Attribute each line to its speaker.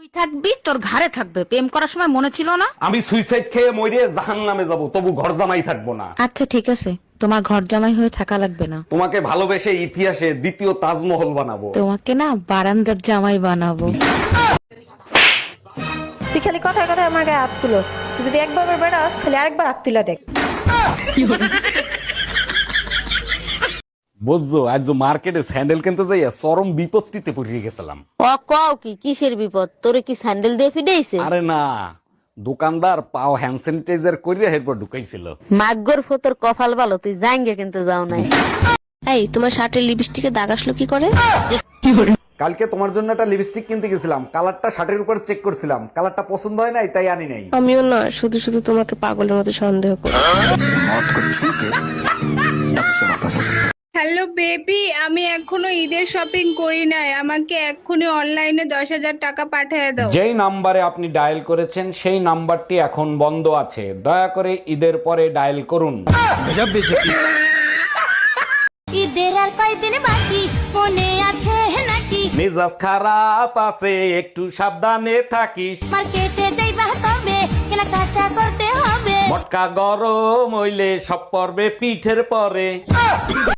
Speaker 1: তুই থাকবি, তোর ঘাড়ে থাকবে। প্রেম করার সময় মনে ছিল না?
Speaker 2: আমি সুইসাইড খেয়ে মরে জাহান্নামে যাব, তবু ঘর জামাই থাকবো না।
Speaker 1: আচ্ছা ঠিক আছে, তোমার ঘর জামাই হয়ে থাকা লাগবে না।
Speaker 2: তোমাকে ভালোবেসে ইতিহাসে দ্বিতীয় তাজমহল বানাবো।
Speaker 1: তোমাকে না বারান্দার জামাই বানাবো।
Speaker 3: তুই খালি কথায় কথায় আমার গায়ে হাত তুলোস। তুই যদি একবার বেড়াস খালি আরেকবার হাত তুলা দেখ।
Speaker 2: বুঝছো, আজ মার্কেটে স্যান্ডেল কিনতে যাইয়া চরম বিপত্তিতে পড়ে গেছিলাম।
Speaker 4: ও কও কি কিসের বিপদ? তোরে কি স্যান্ডেল দিয়ে ফিডাইছে?
Speaker 2: আরে না, দোকানদার পাও হ্যান্ড স্যানিটাইজার করিয়া এরপর ঢুকাইছিল।
Speaker 4: মাগ্গর ফতর কপাল ভালো, তুই জাঙ্গে কিন্তু যাও নাই।
Speaker 5: এই তোমার শার্টের লিপস্টিকে দাগ আসলো কি করে?
Speaker 2: কালকে তোমার জন্য একটা লিপস্টিক কিনতে গেছিলাম, কালারটা শার্টের উপর চেক করছিলাম, কালারটা পছন্দ হয় নাই তাই আনি নাই।
Speaker 5: আমিও না শুধু শুধু তোমাকে পাগলের মতো সন্দেহ করি।
Speaker 6: হ্যালো বেবি, আমি এখনো ঈদের শপিং করি নাই, আমাকে এক্ষুনি অনলাইনে 10,000 টাকা পাঠিয়ে দাও।
Speaker 2: যেই নাম্বারে আপনি ডায়াল করেছেন সেই নাম্বারটি এখন বন্ধ আছে, দয়া করে ঈদের পরে ডায়াল করুন।
Speaker 7: ঈদের আর কয়দিন বাকি মনে আছে নাকি?
Speaker 2: মেজাজ খারাপ আছে, একটু সাবধানে থাকিস।
Speaker 7: মার্কেটে যাইবা তবে কেনাকাটা করতে হবে।
Speaker 2: মটকা গরম হইলে সব পড়বে পিঠের পরে।